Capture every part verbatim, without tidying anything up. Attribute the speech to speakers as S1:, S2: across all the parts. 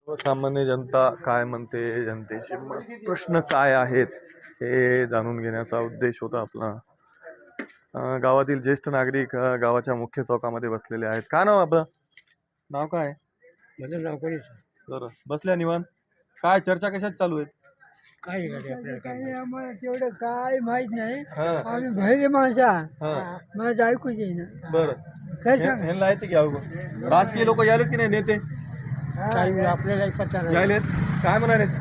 S1: सामान्य जनता काय म्हणते, जनतेचे प्रश्न काय आहेत हे जाणून घेण्याचा उद्देश होता आपला. अं, गावातील ज्येष्ठ नागरिक अं, गावाच्या मुख्य चौकामध्ये बसलेले आहेत. काय नाव आपलं? नाव काय?
S2: माझं नाव कोणी
S1: बरं, बसल्या निवांत. काय चर्चा कशात चालू आहेत?
S2: काय गाडी आपल्याला काय आम्हाला तेवढं काय माहित नाही.
S1: हा
S2: आम्ही भहिले माणसा
S1: हा
S2: माझं ऐकूच येईना.
S1: बरं,
S2: काय सांग
S1: ह्यांना आहेत की अवघड राजकीय लोक यायलेत की नाही? नेते
S2: काही आपल्याला पत्ता नाही.
S1: यायलेत, काय म्हणालेत?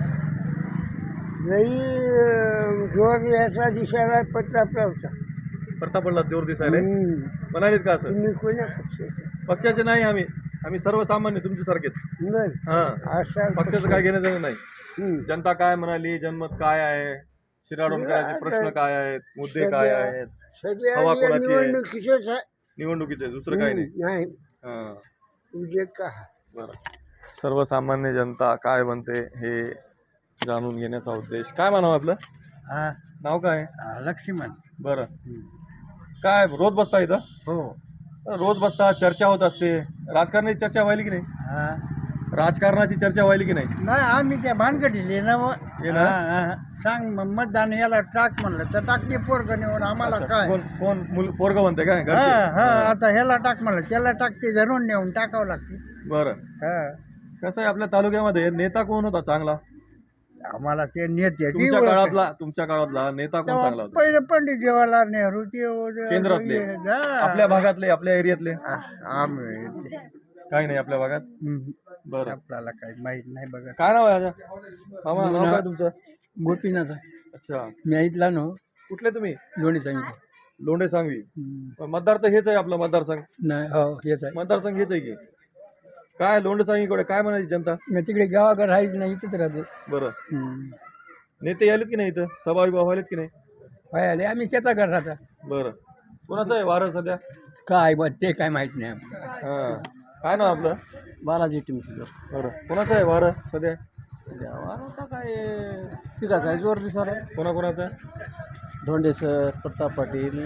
S2: लई जोर याचा दिसायला पत्ता होता.
S1: प्रताप पडला जोर दिसायला म्हणालेत का? असं
S2: तुम्ही कोण्या पक्षाचे?
S1: पक्षाचे नाही आम्ही, आम्ही सर्वसामान्य तुमच्यासारखेच.
S2: बर
S1: हा,
S2: अशा
S1: पक्षाचं काय घेणं देणं नाही.
S2: हम्म.
S1: जनता काय म्हणाली, जनमत काय आहे, शिराडोणकरांचे प्रश्न काय आहेत, मुद्दे काय आहेत,
S2: सध्या
S1: हवा
S2: या
S1: कोणाची आहे?
S2: निवडणुकीचंच आहे.
S1: निवडणुकीचे, दुसरं काही नाही.
S2: नाही
S1: हा,
S2: तुझे का
S1: बरं. सर्वसामान्य जनता काय म्हणते हे जाणून घेण्याचा उद्देश. काय म्हणावं आपलं?
S2: हा
S1: नाव काय?
S2: लक्ष्मण.
S1: बरं, काय रोज बसता इथं?
S2: हो
S1: रोज बसता, चर्चा होत असते. राजकारणाची चर्चा व्हायली की नाही?
S2: हा
S1: राजकारणाची चर्चा व्हायली की नाही?
S2: नाही आम्ही त्या भानगडीले ना मग.
S1: हे ना?
S2: हा, हा. सांग मग मतदान याला टाक म्हणलं तर टाकते पोरग निवड आम्हाला काय.
S1: कोण कोण मुल पोरग म्हणते काय
S2: हा
S1: घरचे?
S2: हा आता ह्याला टाक म्हणलं त्याला टाकते धरून नेऊन टाकावं लागते.
S1: बरं,
S2: हा
S1: कसं आहे आपल्या तालुक्यामध्ये नेता कोण होता चांगला?
S2: आम्हाला ते नेते
S1: तुमच्या काळातला तुमच्या काळातला नेता कोण चांगला होता?
S2: पहिले पंडित जवाहरलाल नेहरू ते
S1: केंद्रातले?
S2: हा.
S1: आपल्या भागातले, आपल्या एरियातले?
S2: आ- आम्ही ते-
S1: काही नाही आपल्या भागात.
S2: हम्म.
S1: बरं,
S2: आपल्याला काही माहित नाही बघा.
S1: काय नाव आहे याचं? मामा, नाव काय तुमचं?
S2: गोपीनाथ
S1: अच्छा,
S2: मी ऐकला नो
S1: कुठले तुम्ही?
S2: लोणी सांगितलं.
S1: लोंढे सांगवी. मतदार तर हेच आहे आपला मतदारसंघ.
S2: नाही हो हेच आहे.
S1: मतदारसंघ हेच आहे की काय? लोंढे सांगवीकडे काय म्हणायची जनता?
S2: मी तिकडे गावाकडे राहायच नाही इथंच राहते.
S1: बरं,
S2: हम्म.
S1: नेते आलेत की नाही इथं? सभा विभा व्हायलेत की नाही?
S2: होय आले आम्ही शेताकडे राहता.
S1: बरं, कोणाचं आहे वारं सध्या?
S2: काय बघ ते काय माहित नाही आम्हाला.
S1: हा, काय नाव आपलं?
S2: बालाजी टिमकी
S1: बरं, कोणाचं आहे वारं सध्या?
S2: आता काय पिकाचा आहे जोर दिसाला.
S1: कोणा कोणाचं?
S2: धोंडे सर, प्रताप पाटील,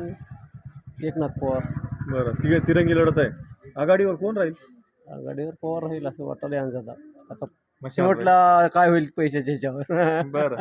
S2: एकनाथ पवार.
S1: बरं, तिघे तिरंगी लढत आहे. आघाडीवर कोण राहील?
S2: आघाडीवर पवार होईल असं वाटायला यांचा आता. आता
S1: मग
S2: शेवटला काय होईल पैशाच्या ह्याच्यावर.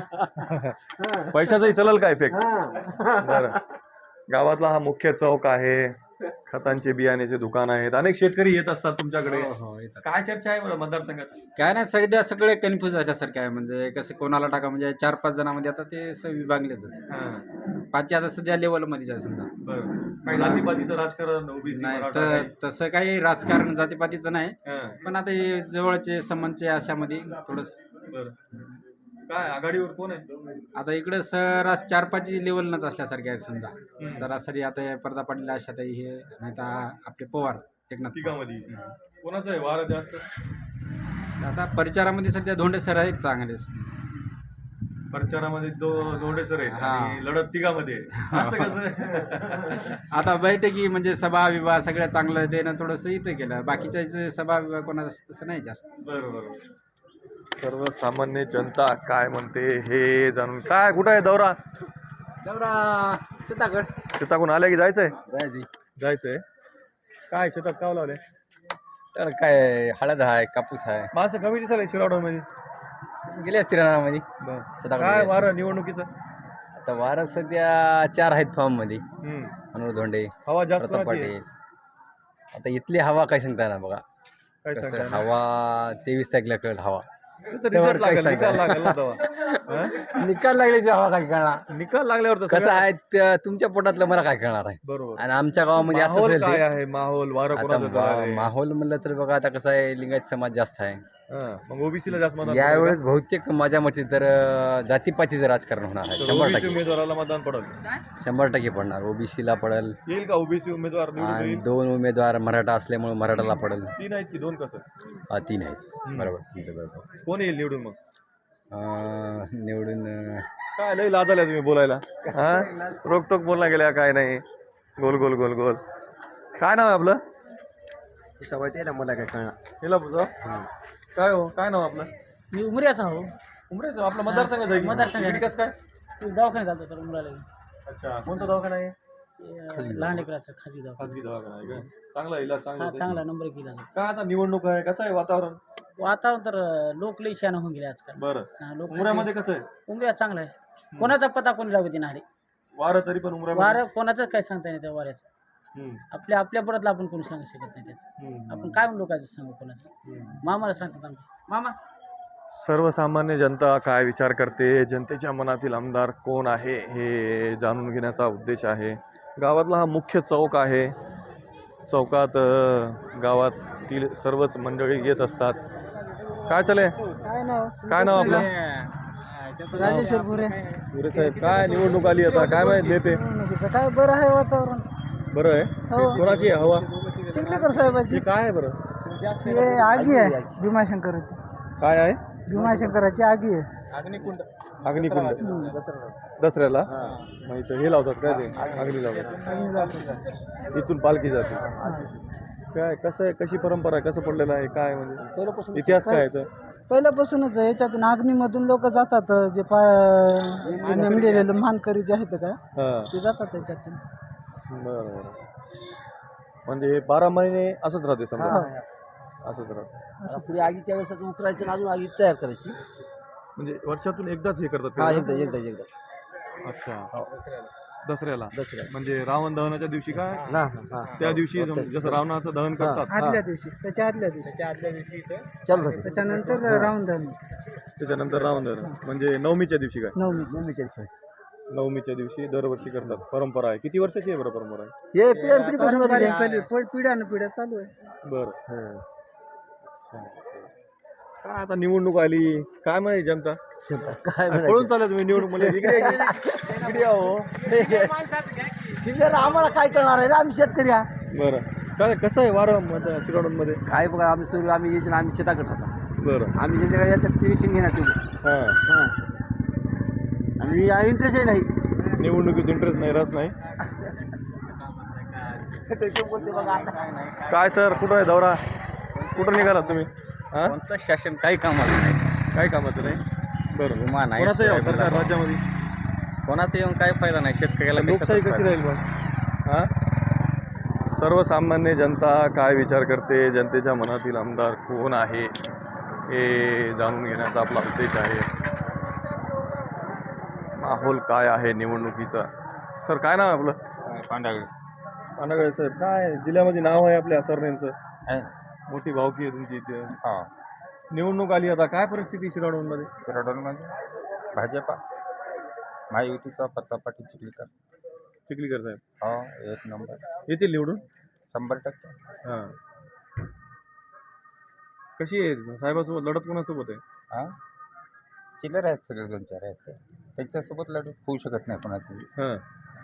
S1: बरं, पैशाचाही चलल का इफेक्ट? बरं, गावातला हा मुख्य चौक आहे. खतांचे बियाण्याचे दुकान आहेत. अनेक शेतकरी येत असतात तुमच्याकडे. काय चर्चा आहे बरं मतदारसंघात?
S3: काय नाही सध्या सगळे कन्फ्युज झाल्यासारखे आहे. म्हणजे कसं कोणाला टाका म्हणजे चार पाच जणांमध्ये आता ते स- विभागलेच आहेत.
S1: हा,
S3: पाचशे आता सध्या लेवलमध्येच आहे समजा.
S1: बरं, काही जातीपातीचं राजकारण, ओबीसी
S3: नाही
S1: मराठा
S3: तर
S1: काही?
S3: तसं काही राजकारण जातीपातीचं नाही,
S1: हा,
S3: पण आता हे जवळचे संबंधचे अशामध्ये थोडस.
S1: बरं, काय आघाडीवर कोण आहे?
S3: आता इकडे सरास चार पाच लेवलनच असल्यासारखे आहेत समजा. सरासरी आता हे प्रदा पाटील आशाताई हे नाही तर आपले पवार एकनाथ पवार.
S1: तिघामध्ये कोणाचं आहे वारं जास्त?
S3: आता परिचारामध्ये सध्या धोंडे सर आहेत चांगलेच.
S1: प्रचारामध्ये दो दोंडे सर आहेत
S3: हा.
S1: आणि लढत तिघामध्ये आहे. असं कसं?
S3: आता बैठकी म्हणजे सभा विवाह सगळ्या चांगलं देणं थोडंसं इथं केलं. बाकीच्या सभा विवाह कोणाचं तसं नाही जास्त.
S1: बरं बरं, सर्वसामान्य जनता काय म्हणते हे जाणून. काय कुठं आहे दौरा?
S3: दौरा शेताकड
S1: शेताकडून आल्या की जायचंय?
S3: जायची.
S1: जायचंय. काय शेतात काव लावले?
S3: तर काय हळद आहे, कापूस आहे.
S1: माणसं कमी दिसायला शिरावड मध्ये.
S3: गेले असते रानामध्ये.
S1: काय वारं निवडणुकीचं?
S3: आता वारं सध्या चार आहेत फॉर्म मध्ये.
S1: हम्म.
S3: अनुर धोंडे,
S1: हवा जास्त
S3: प्रताप
S1: कोणाची आहे?
S3: पाटील. आता इथली हवा काय सांगता ना बघा.
S1: काय
S3: कसं
S1: सांगता?
S3: हवा तेवीस तारखेला कळेल हवा.
S1: तिथं
S3: त्यावर
S1: result
S3: काय
S1: लागेल, निकाल
S3: सांगता?
S1: लागेल ना तेव्हा. हा?
S3: निकाल लागल्याची हवा काय कळणार.
S1: निकाल लागल्यावर तर
S3: कसं
S1: सगळं-
S3: आहे त्या तुमच्या पोटातलं मला काय कळणार आहे.
S1: बरोबर.
S3: आणि आमच्या गावामध्ये असं
S1: माहोल
S3: असेल
S1: काय
S3: ते.
S1: आहे? माहोल वारं
S3: आता
S1: कोणाचं चालू आहे?
S3: मा- माहोल म्हणलं तर बघा आता कसं आहे लिंगायत समाज जास्त आहे
S1: हा, मग ओबीसीला जास्त मतदान
S3: यावेळेस. बहुतेक माझ्या मते तर अं, जातीपातीचं राजकारण होणार आहे. शंभर
S1: ओबीसी
S3: टक्के
S1: उमेदवाराला मतदान पडेल.
S3: शंभर टक्के पडणार. ओबीसीला पडेल
S1: येईल का ओबीसी उमेदवार निवडून
S3: आणि
S1: येईल?
S3: दोन उमेदवार मराठा असल्यामुळे मराठाला पडेल.
S1: तीन आहेत की दोन? कसं
S3: हा, तीन आहेत. बरोबर तुमचं बरोबर.
S1: कोण येईल निवडून? मग
S3: अं, निवडून अं,
S1: काय लय लाजाल्या तुम्ही बोलायला. हा, रोकटोक बोलला गेल्या काय नाही. गोल गोल गोल गोल. काय नाव आहे आपलं?
S2: मला काय कळणार.
S1: हिला पुसा. काय हो, काय नाव आपलं?
S2: मी उमऱ्याचा हो.
S1: उमरेच आपला मतदारसंघ आहे की?
S2: मतदारसंघ आहे.
S1: इकडे कसं काय?
S2: दवाखान्यात जातो तर उमराला.
S1: अच्छा, कोणता दवाखाना आहे?
S4: लहान लेकराचं खाजगी दवाखाना
S1: खाजगी दवाखाना आहे काय? चांगला इलाज चांगला
S4: हा
S1: होतोय?
S4: चांगला नंबर केला जातो.
S1: काय आता निवडणूक आहे, कसं आहे वातावरण?
S4: वातावरण तर अं, लोक लई शहाणं होऊन गेले आजकाल.
S1: बरं.
S4: हा, लोक
S1: उमऱ्यामध्ये कसं आहे?
S4: उमऱ्या चांगला आहे. कोणाचा पता कोणी लागू देणार आहे.
S1: वारं तरी पण उमऱ्यामध्ये
S4: वारं कोणाचं काय सांगता नाही त्या वाऱ्याचं.
S1: हम्म,
S4: आपल्या आपल्या परतला आपण कोणी सांगू शकत नाही त्याचं.
S1: हम्म,
S4: आपण काय म्हणून लोकांचं सांगू कोणाचं.
S1: हम्म.
S4: मामाला सांगतात आमच्या. मामा
S1: सर्वसामान्य जनता काय विचार करते, जनतेच्या मनातील आमदार कोण आहे हे जाणून घेण्याचा उद्देश आहे. गावातला हा मुख्य चौक आहे. चौकात अ, गावातील सर्वच मंडळी येत असतात. काय चालय?
S4: काय नाव
S1: काय नाव आपलं?
S4: राजेश्वर पुरे.
S1: पुरे साहेब, काय निवडणूक आली आता, काय माहित नेते?
S4: काय बरं आहे वातावरण.
S1: बरं आहे. कोणाची आहे हवा?
S4: चिखलीकर साहेबाची.
S1: हे काय आहे बरं?
S4: हे आगी आहे भीमाशंकराची.
S1: काय आहे?
S4: भीमाशंकराची आगी आहे.
S1: अग्निकुंड. दसऱ्याला मग इथं हे लावतात काय ते अग्नी लावतात, इथून पालखी जाते. काय कसं आहे, कशी परंपरा आहे, कसं पडलेलं आहे, काय म्हणजे
S4: पहिल्यापासून
S1: इतिहास काय आहे?
S4: पहिल्यापासूनच आहे. याच्यातून अग्नीमधून लोक जातात. जे पाय नेमलेले मानकरी जे आहेत काय
S1: हां,
S4: ते जातात त्याच्यातून.
S1: बरं बरं. म्हणजे हे बारा महिने असंच राहते समजा, असंच राहतं.
S4: असं पुढे आगीच्या वेळेस उतरायचं आणि अजून आगी तयार करायची.
S1: म्हणजे वर्षातून एकदाच हे करतात
S4: हा
S1: का?
S4: एकदा एकदा एकदा
S1: अच्छा, दसऱ्याला.
S4: दसऱ्या
S1: म्हणजे रावण दहनाच्या दिवशी काय
S4: ना
S1: त्या दिवशी जसं रावणाचं दहन करतात
S4: आदल्या दिवशी त्याच्या आदल्या दिवशी त्याच्या आदल्या दिवशी चालू होते. त्याच्यानंतर राऊंड दहन
S1: त्याच्यानंतर रावण दहन म्हणजे नवमीच्या दिवशी काय?
S4: नवमी नवमीच्या दिवशी.
S1: नवमीच्या दिवशी दरवर्षी करतात. परंपरा आहे. किती वर्षाची आहे बरं परंपरा आहे?
S4: हे पिढ्या पिढीपासून पिढ्या न पिढ्या चालू आहे.
S1: बरं. काय आता निवडणूक आली, काय माहिती जनता
S4: काय
S1: पळून चालला तुम्ही निवडणूक मध्ये? इकडे इकडे- इकडे या हो.
S4: शिल्लर आम्हाला काय करणार आहे रे, आम्ही शेतकरी आहे.
S1: बरं, काय कसं आहे वारं शिरोडमध्ये?
S4: काय बघा आम्ही सुरू आम्ही यायचं आम्ही शेताकडे राहतात.
S1: बरं.
S4: आम्ही ज्याच्याकडे येतात ते विषय घेणार तुम्ही.
S1: हां,
S4: आणि इंटरेस्टही नाही.
S1: निवडणुकीत इंटरेस्ट नाही, रस नाही. काय सर, कुठं आहे दौरा? कुठं निघालात तुम्ही? हां,
S5: कोणतं शासन काही कामाचं नाही.
S1: काय कामाचं नाही? बरं.
S5: विमान आहे,
S1: कोणाचं यावं
S5: सोयाबीनला
S1: सरकार राज्यामध्ये?
S5: कोणाचं येऊन काही फायदा नाही. शेतकऱ्याला
S1: लोकशाही
S5: कशाचाच
S1: कशी
S5: फायदा
S1: राहील मग? हां, सर्वसामान्य जनता काय विचार करते, जनतेच्या मनातील आमदार कोण आहे हे जाणून घेण्याचा आपला उद्देश आहे. माहोल काय आहे निवडणुकीचा? सर, काय नाव आहे आपलं?
S5: नाही. पांढरागड
S1: पांढरगळे साहेब, काय जिल्ह्यामध्ये नाव आहे आपल्या सरनेमचं?
S5: आहे.
S1: मोठी भावकी आहे तुमची इथे.
S5: हा.
S1: निवडणूक आली आता, काय परिस्थिती शिराडोनमध्ये?
S5: शिराडोनमध्ये भाजपा महायुतीचा प्रताप पाटील चिखलीकर.
S1: चिखलीकर साहेब
S5: हो, एक नंबर.
S1: येतील निवडून?
S5: शंभर टक्के.
S1: हां, कशी आहे साहेबासोबत लढत? कोणासोबत आहे?
S5: हा, चिल्लर आहेत सगळे, दोन चार आहेत ते. त्यांच्यासोबत लढत होऊ शकत नाही कोणाची.
S1: हां,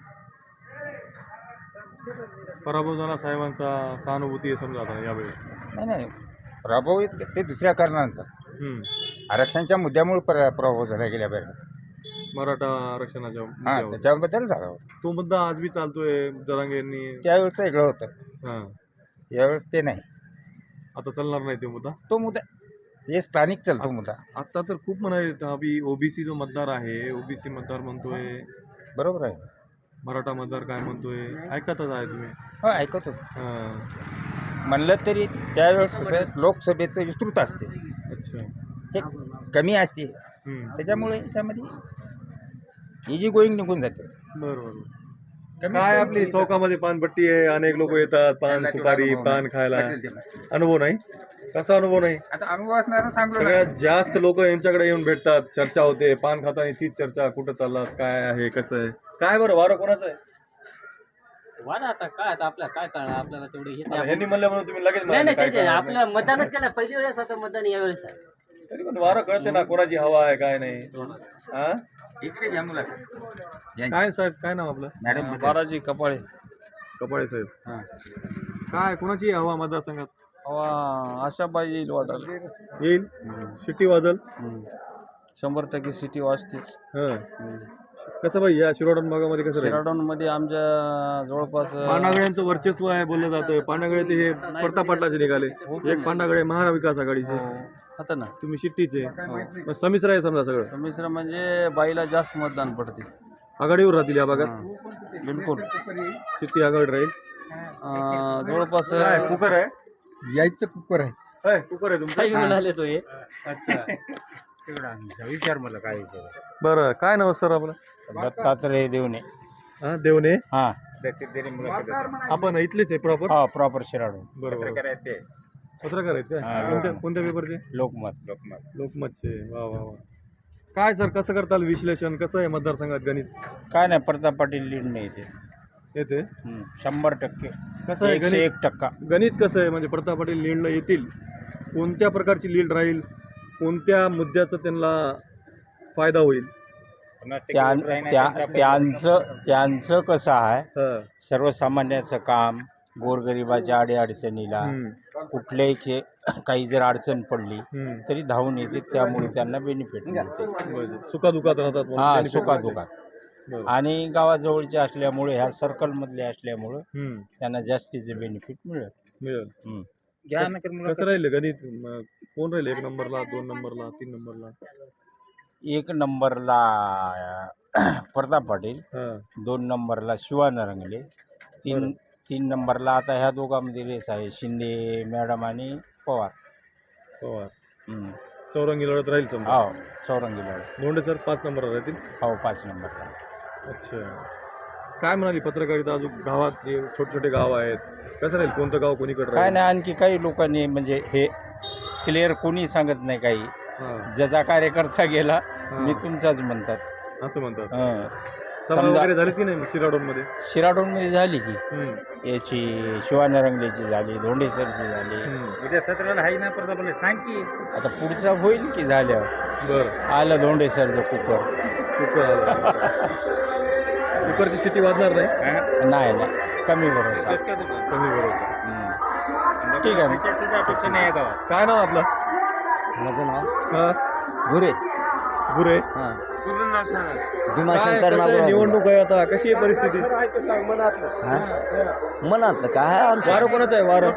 S1: पराभव झाला साहेबांचा, सहानुभूती आहे समजा आता यावेळेस.
S5: नाही नाही, प्रभाव ते दुसऱ्या कारणांचा
S1: हम्म.
S5: आरक्षणाच्या मुद्द्यामुळे पर प्रभाव झाला गेल्या वेळेला.
S1: मराठा आरक्षणाच्या
S5: हां,
S1: मुद्द्यावर.
S5: त्याच्याबद्दल झाला होता.
S1: तो मुद्दा आज बी चालतोय जरांगेंनी.
S5: त्यावेळेस वेगळं होतं,
S1: हां,
S5: यावेळेस ते नाही.
S1: आता चालणार नाही तो मुद्दा.
S5: तो मुद्दा हे स्थानिक चालतो मुद्दा.
S1: आता तर खूप म्हणाले अभि ओबीसी जो मतदार आहे, ओबीसी मतदार म्हणतोय,
S5: बरोबर आहे.
S1: मराठा मतदार काय म्हणतोय, ऐकतच आहे तुम्ही.
S5: हो, ऐकतो.
S1: हां,
S5: म्हणलं तरी त्यावेळेस कसं आहे, लोकसभेचं विस्तृत असते,
S1: अच्छा.
S5: हे कमी असते.
S1: हम्म.
S5: त्याच्यामुळे त्यामध्ये इजी गोईंग निघून जाते.
S1: बरोबर.
S5: कमी
S1: काय
S5: कमी
S1: आपली
S5: पैशात.
S1: चौकामध्ये पानपट्टी आहे, अनेक लोक येतात, पान सुपारी पान खायला. अनुभव नाही? कसा अनुभव नाही?
S5: आता अनुभव असणारा सांगतो ना.
S1: सगळ्यात जास्त लोक यांच्याकडे येऊन भेटतात, चर्चा होते, पान खाताना तीच चर्चा, कुठं चाललास, काय आहे, कसं आहे, काय बरं वारं कोणाचं आहे?
S6: वाढा आता काय आता आपल्याला काय कळणार, आपल्याला तेवढे हे
S1: आता ह्यांनी म्हणलं म्हणून तुम्ही लगेच
S6: नाही
S1: म्हणाले
S6: नाही
S1: काय
S6: त्याचे
S1: करणार नाही.
S6: आपल्याला मतदानच केलं पहिली वेळेस आता मतदान या वेळेस आहे.
S1: तरी पण वारं कळते ना कोणाची हवा आहे काय नाही. हा,
S5: इकडे घ्या मुला.
S1: काय साहेब, काय नाव आपलं?
S5: मॅडम
S4: बाराजी कपाळे.
S1: कपाळे साहेब, काय कोणाची हवा मतदारसंघात?
S4: अशा पाहिजे येईल वाटायला.
S1: येईल, शिट्टी वाजल.
S4: शंभर टक्के सिटी वाजतेच.
S1: हं, कसं भाई या शिरोडन भागामध्ये कसं राहील?
S4: शिराडोन मध्ये आमच्या जवळपास
S1: पांडागळ्यांचं वर्चस्व आहे बोललं जातं. पांडागळे ते हे प्रताप पाटलाचे निघाले, एक पांडागळे महाविकास आघाडीचे,
S4: आता ना
S1: तुम्ही शिट्टीचे, मग संमिश्र आहे समजा सगळं.
S4: मिश्र म्हणजे बाईला जास्त मतदान पडते.
S1: आघाडीवर राहतील या भागात.
S6: बिलकुल
S1: सिटी आघाडी राहील.
S6: अं, जवळपास
S1: काय कुकर आहे?
S2: यायचं कुकर आहे.
S1: होय, कुकर आहे तुमचं.
S6: काही म्हणाले तो हे
S1: अच्छा.
S5: विचार मला काय
S1: बरं, काय नाव सर आपलं?
S5: दत्तात्रय देवणे.
S1: हा, देवणे.
S5: हा
S1: आपण इथलेच आहे प्रॉपर?
S5: हा प्रॉपर शिराडू.
S1: बरोबर. पत्रकार आहेत काय?
S5: हा.
S1: कोणत्या कोणत्या पेपरचे?
S5: लोकमत लोकमत
S1: लोकमतचे. वा वा वा. काय सर, कसं करताल विश्लेषण? कसं आहे मतदारसंघात गणित?
S5: काय नाही, प्रताप पाटील लीड नाही येते.
S1: येते.
S5: हम्म, शंभर टक्के
S1: कसं आहे
S5: एकशे
S1: गणित?
S5: एक टक्का.
S1: गणित कसं आहे म्हणजे प्रताप पाटील लीडला येतील? कोणत्या प्रकारची लीड राहील? कोणत्या मुद्द्याचा त्यांना फायदा होईल?
S5: त्यां- त्या- त्यांचं त्यांचं कसं आहे,
S1: हा.
S5: सर्वसामान्याचं काम, गोरगरिबाच्या अडीअडचणीला
S1: हम्म.
S5: कुठल्याही खे काही जर अडचण पडली
S1: हम्म.
S5: तरी धावून येते, त्यामुळे त्यांना बेनिफिट मिळते.
S1: बरं. सुखादुखात राहतात म्हणून
S5: हा
S1: benefit
S5: सुखा
S1: मिळते.
S5: दुखा
S1: बरं.
S5: आणि गावाजवळचे असल्यामुळे ह्या सर्कलमधले असल्यामुळं
S1: हम्म.
S5: त्यांना जास्तीचे बेनिफिट मिळेल.
S1: मिळेल.
S5: हम्म.
S1: कसं राहिलं गणित? म- कोण राहील एक नंबरला, दोन नंबरला, तीन नंबरला?
S5: एक नंबरला प्रताप पाटील,
S1: हा.
S5: दोन नंबरला शिवानरंगले, तीन तीन नंबरला आता ह्या दोघांमध्ये रेस आहे, शिंदे मॅडम आणि पवार.
S1: पवार.
S5: हम्म.
S1: चौरंगी लढत राहील समजा.
S5: हो चौरंगी लढत.
S1: धोंडे सर पाच नंबरला राहतील.
S5: हो पाच नंबरला.
S1: अच्छा. काय म्हणाली पत्रकारिता? अजून गावात जे छोटे छोटे गाव आहेत, कसं राहील? कोणतं गाव कोणीकडे
S5: काय
S1: राहील?
S5: नाही, आणखी काही लोकांनी म्हणजे हे क्लिअर कोणी सांगत नाही काही.
S1: हा.
S5: ज्याचा कार्यकर्ता गेला
S1: हा.
S5: मी तुमचाच म्हणतात.
S1: असं म्हणतात.
S5: हं.
S1: सभा
S5: समजा-
S1: वगैरे झाली की नाही शिराडोनमध्ये?
S5: शिराडोनमध्ये झाली की
S1: हम्म.
S5: याची शिवानरंगलेची झाली, धोंडेसरची झाली.
S1: हम्म.
S5: उद्या सतराला आहे ना प्रताप सांग की आता पुढचा होईल की झाल्यावर
S1: बरं.
S5: आलं धोंडेसरचं कुकर.
S1: कुकर आला. कुकरची सिटी वाजणार नाही?
S5: नाही नाही कमी भरोसा.
S1: कमी भरोसा.
S5: हम्म. ठीक आहे.
S1: काय नाव आपलं?
S7: माझं नाव
S1: हा.
S7: गुरे.
S1: गुरे.
S7: हां
S1: काय
S7: भीमाशंकर
S1: कसं आहे?
S7: नागराव.
S1: निवडणूक आहे आता, कशी आहे परिस्थिती?
S7: हां? मनातलं काय आहे आमचं?
S1: वारं कोणाचं आहे? वारं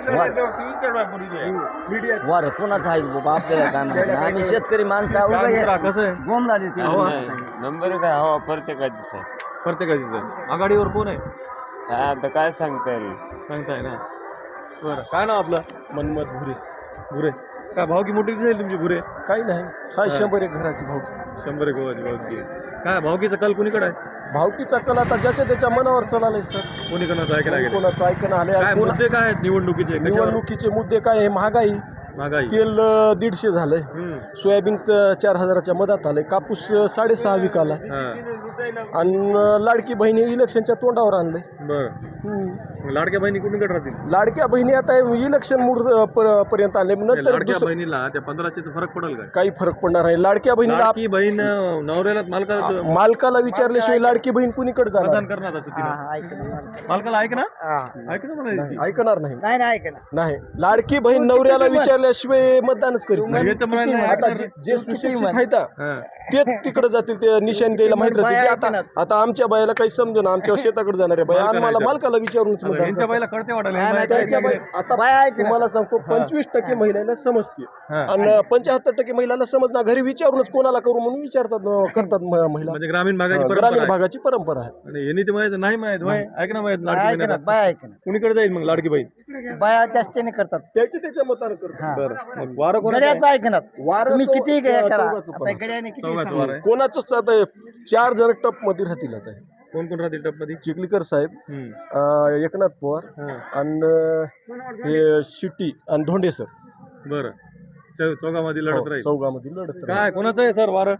S7: वारं कोणाचं आहे बाबा आपल्याला काय माहिती नाही. आम्ही शेतकरी माणसं आहोत.
S1: काय मित्रा, कसं आहे?
S7: गोम झाली ती.
S1: हवा
S8: नंबर काय हवा प्रत्येकाचीच आहे.
S1: प्रत्येकाचीच आहे. आघाडीवर कोण आहे
S8: काय आता काय सांगता येईल.
S1: सांगताय ना? बरं. काय नाव आपलं? मनमत भुरे. भुरे. काय भावकी मोठी दिसेल तुमची भुरे?
S2: काही नाही. हा शंभर एक घराची भावकी.
S1: शंभर एक भावाची भावकी आहे. काय भावकीचा कल कुणीकडे आहे?
S2: भावकीचा कल आता ज्याच्या त्याच्या मनावर चाललाय सर.
S1: कोणी कोणाचं ऐकायला गेलं?
S2: कोणाचं ऐकणं आले.
S1: काय मुद्दे काय आहेत निवडणुकीचे? कशावर?
S2: निवडणुकीचे मुद्दे काय आहे? महागाई.
S1: महागाई.
S2: तेल अ, दीडशे झालंय.
S1: हम्म.
S2: सोयाबीन चार हजाराच्या मधात आलंय. कापूस अ, साडेसहा विकाला.
S1: हा.
S2: आणि अ, लाडकी बहिणी इलेक्शनच्या तोंडावर आणलंय.
S1: बरं.
S2: हम्म.
S1: मग लाडक्या बहिणी कुणीकडे राहतील?
S2: लाडक्या बहिणी आता इलेक्शन मूड अ, प- पर्यंत आणले. नंतर
S1: लाडक्या
S2: दुसरं
S1: बहिणीला त्या पंधराशेचा फरक पडेल काय?
S2: काही फरक पडणार नाही. लाडक्या बहिणीला आप-
S1: लाडकी बहीण अं, नवऱ्याला मालकाला
S2: मालकाला विचारल्याशिवाय लाडकी बहीण कुणीकडे
S1: मतदान
S2: जाणार?
S1: करणार असं तिला. मालकाला ऐक ना ऐक ना म्हणायची.
S2: ऐकणार नाही.
S4: नाही नाही ऐकणार.
S2: नाही, लाडकी बहीण नवऱ्याला विचारल्याशिवाय मतदानच करीत
S1: हे
S2: नाही.
S1: तर म्हणायला नाही
S2: आता
S1: ऐकणार.
S2: जे- जे सुशिक्षित आहेत
S1: हा.
S2: तेच तिकडे जातील, ते निशाण द्यायला माहित राहते. जे आता आता आमच्या बायाला काही समजू ना, आमच्या शेताकडे जाणार आहे बाया,
S1: मालकाला
S2: आम्हाला
S1: विचार.
S2: मालकाला विचारूनच
S1: आता
S2: मतदान
S1: यांच्या
S2: करतात.
S1: बाईला कळते वाटायला हे
S2: नाही,
S1: माहिती
S2: त्यांच्या
S1: आहे
S2: बाई-
S1: की
S2: आता तुम्हाला सांगतो पंचवीस टक्के महिलाला समजते
S1: हा.
S2: आणि पंच्याहत्तर टक्के महिलाला समजणार. घरी विचारूनच कोणाला करू म्हणून विचारतात अं, करतात म- महिला.
S1: म्हणजे ग्रामीण भागाची
S2: अं,
S1: परंपरा
S2: ग्रामीण
S1: आहे.
S2: भागाची परंपरा आहे.
S1: आणि यांनी ते माहित नाही माहित होय. ऐक ना माहित लाडकी बहीण आता.
S4: बाया ऐकणार.
S1: कुणीकडे जाईल मग लाडकी बहीण?
S4: बाया जास्तीने करतात.
S2: त्याच्या त्याच्या मतानं करतात.
S1: बरं. मग वारं कोणाचं आहे?
S4: गड्याचं ऐकणार.
S2: वारं
S4: तुम्ही
S2: चौ-
S4: किती करा
S2: चौघाचं पण.
S4: आता गड्याने किती
S1: चौघाचं वारं आहे.
S2: कोणाचंच आता चार जण टप मध्ये राहतील आता.
S1: कोण कोण राहतील टपमध्ये?
S2: चिखलीकर साहेब,
S1: हम्म.
S2: अं, एकनाथ पवार
S1: हा.
S2: आणि अं, हे शिट्टी आणि धोंडे सर.
S1: बरं. चौ- चौघामध्ये लढत राहील.
S2: चौघामध्ये लढत राहील.
S1: काय कोणाचं आहे सर वारं?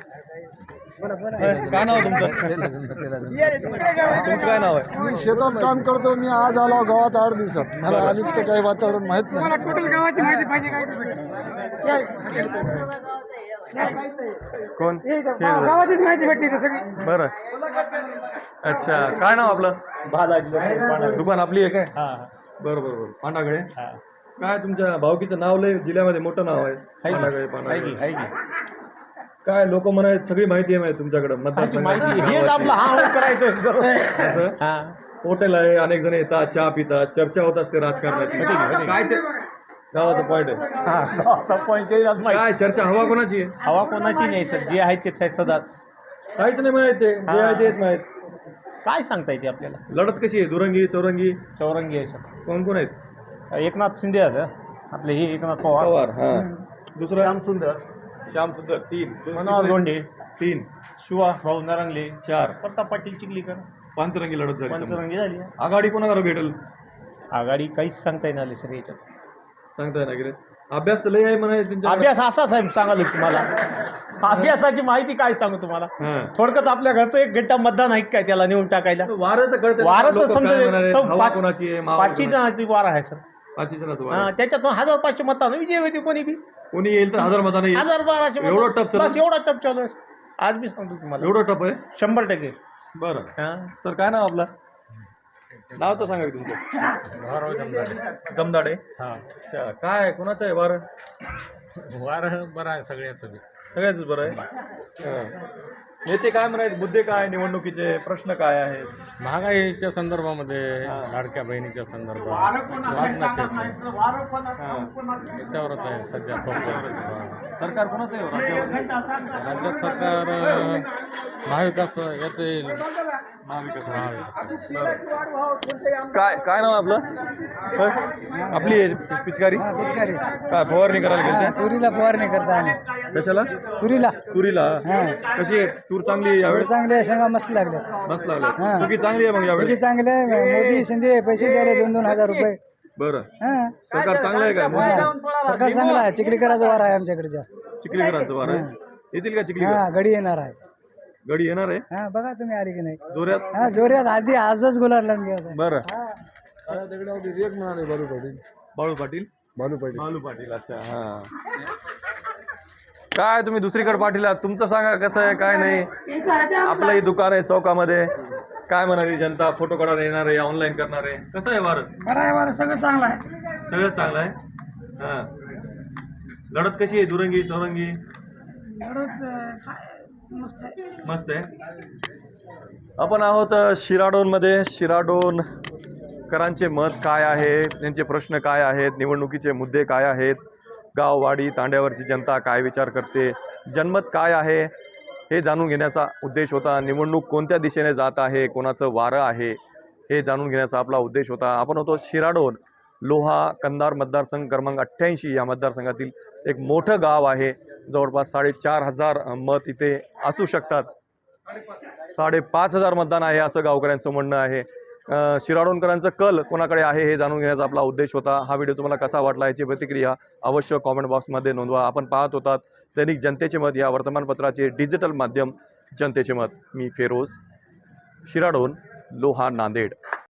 S1: काय नाव आहे तुमचं? तुमचं काय नाव आहे?
S9: मी शेतात काम करतो. मी आज आलो गावात आठ दिवसात. मला आली ते काही वातावरण माहित नाही.
S1: कोण? गावाचीच माहिती भेटते सगळी. बरं. अच्छा. काय नाव आपलं? दुकान आपली आहे काय? बरं बरं बरं. पांडागळे. काय तुमच्या भावकीचं नाव लय जिल्ह्यामध्ये मोठं नाव आहे. पांडागळे. पांडागळे. काय लोक म्हणायत सगळी माहिती आहे माहिती तुमच्याकडे असं हॉटेल आहे, अनेक जण येतात, चहा पितात, चर्चा होत असते राजकारणाची. काय ते गावाचा पॉईंट आहे. काय चर्चा हवा कोणाची आहे?
S5: हवा कोणाची नाही सर, जे आहे ते सदाच.
S1: काहीच नाही माहित. ते जे आहे तेच माहित.
S5: काय सांगता येते आपल्याला.
S1: लढत कशी आहे? दुरंगी चौरंगी
S5: चौरंगी आहे सर.
S1: कोण कोण आहेत?
S5: एकनाथ शिंदे आहेत आपले, हे एकनाथ पवार,
S1: पवार हा दुसरं
S5: श्याम सुंदर,
S1: श्याम सुंदर तीन
S5: मनोहर लोंढे,
S1: तीन
S5: शिवा भाऊ नरंगले,
S1: चार
S5: प्रताप पाटील चिखलीकर.
S1: पांचरंगी लढत झाली समजा.
S5: पंचरंगी झाली.
S1: आघाडी कोणाला भेटेल
S5: आघाडी काहीच सांगता येणार नाही सर याच्यात.
S1: सांगताय ना गेले. अभ्यास तर लय आहे म्हणाय त्यांच्या
S5: अभ्यास असा साहेब सांगाल तुम्हाला. अभ्यासाची माहिती काय सांगू तुम्हाला.
S1: हां.
S5: थोडक्यात आपल्या घरचं एक घंटा मतदान आहे काय त्याला नेऊन टाकायला.
S1: वारं तर कळतं.
S5: वारं तर
S1: लोकं
S5: समजा
S1: काय म्हणाले,
S5: चौ-
S1: हवा
S5: पाच-
S1: कोणाची आहे, मावळ
S5: पाचशे
S1: कोणाची?
S5: जणांची वार आहे सर.
S1: पाचशे जणांचं वारं
S5: हा,
S1: आहे.
S5: त्याच्यातून हजार पाचशे मतानं विजय होते कोणी बी.
S1: कोणी येईल तर हजार मताने येईल.
S5: हजार बाराशे
S1: एवढं
S5: मतानं.
S1: टप चालू?
S5: बस एवढा टप चालू आहे. आज बी सांगतो तुम्हाला
S1: एवढं टप आहे.
S5: शंभर टक्के.
S1: बरं
S5: हा.
S1: सर काय नाव आपलं? नाव तर सांगा की तुमचं. जमदाडे. अच्छा काय कोणाचं आहे वारं?
S3: वार बरं आहे सगळ्याच
S1: सगळ्याच बरं आहे. हां. नेते काय म्हणायचे, मुद्दे काय निवडणुकीचे, प्रश्न काय आहेत?
S3: महागाईच्या संदर्भामध्ये, लाडक्या बहिणीच्या संदर्भात, वाघनाट्याचे, याच्यावरच आहे सध्या फोकस.
S1: सरकार कोणाचं आहे राज्यावर?
S3: राज्यात सरकार अं, महाविकास याचं येईल.
S1: महाविकास.
S3: महाविकास
S1: काय काय नाव आपलं? होय? आपली आहे पिचकारी
S4: पिचकारी
S1: काय फवारणी करायला गेलते?
S4: तुरीला फवारणी करता आणि
S1: कशाला?
S4: तुरीला
S1: तुरीला. कशी आहे तूर? चांगली यावेळेस
S4: चांगले शेंगा मस्त लागले.
S1: मस्त लागले. सुकी चांगली आहे मग यावेळेस.
S4: चांगले मोदी शिंदे पैसे द्यायला दोन दोन हजार रुपये.
S1: बरं
S4: हा
S1: सरकार चांगलं आहे काय?
S4: सरकार चांगला आहे. चिखलीकराचा वार आहे आमच्याकडे जास्त.
S1: चिखलीकरांचं वार आहे. येतील का चिखलीकर?
S4: हा गडी येणार आहे.
S1: गडी येणार आहे
S4: हा बघा तुम्ही आली की नाही.
S1: जोऱ्यात.
S4: हा जोऱ्यात आधी आजच गुलाल लावून घ्यायचा.
S1: बरं
S9: काळ्या दगडावरती रेग म्हणाले बालू पाटील.
S1: बाळू पाटील.
S9: बालू पाटील
S1: बालू पाटील. अच्छा हा. काय तुम्ही दुसरीकडे पाटील आहात, तुमचं सांगा कसं आहे काय नाही. आपलंही दुकान आहे चौकामध्ये. काय म्हणाली जनता? फोटो काढायला येणार आहे, ऑनलाईन करणार आहे. कसं आहे वारं?
S4: बरं आहे बरं सगळं चांगलं आहे.
S1: सगळं चांगलं आहे. हा लढत कशी आहे? दुरंगी चौरंगी? मस्त आहे. आपण आहोत शिराडोनमध्ये. शिराडोन करांचे मत काय आहे, त्यांचे प्रश्न काय आहेत, निवडणुकीचे मुद्दे काय आहेत, गाववाडी तांड्यावरची जनता काय विचार करते, जनमत काय आहे हे जाणून घेण्याचा उद्देश होता. निवडणूक कोणत्या दिशेने जात आहे, कोणाचं वारं आहे हे जाणून घेण्याचा आपला उद्देश होता. आपण होतो शिराडोन, लोहा कंधार मतदारसंघ क्रमांक अठ्ठ्याऐंशी. या मतदारसंघातील एक मोठं गाव आहे. जवळपास साडेचार हजार मत इथे असू शकतात. साडेपाच हजार मतदान आहे असं गावकऱ्यांचं म्हणणं आहे. शिराडोणकरांचं कल कोणाकडे आहे हे जाणून घेण्याचा आपला उद्देश होता. हा व्हिडिओ तुम्हाला कसा वाटला याची प्रतिक्रिया अवश्य कॉमेंट बॉक्समध्ये नोंदवा. आपण पाहत होतात दैनिक जनतेचे मत या वर्तमानपत्राचे डिजिटल माध्यम जनतेचे मत. मी फेरोज, शिराडोन, लोहा, नांदेड.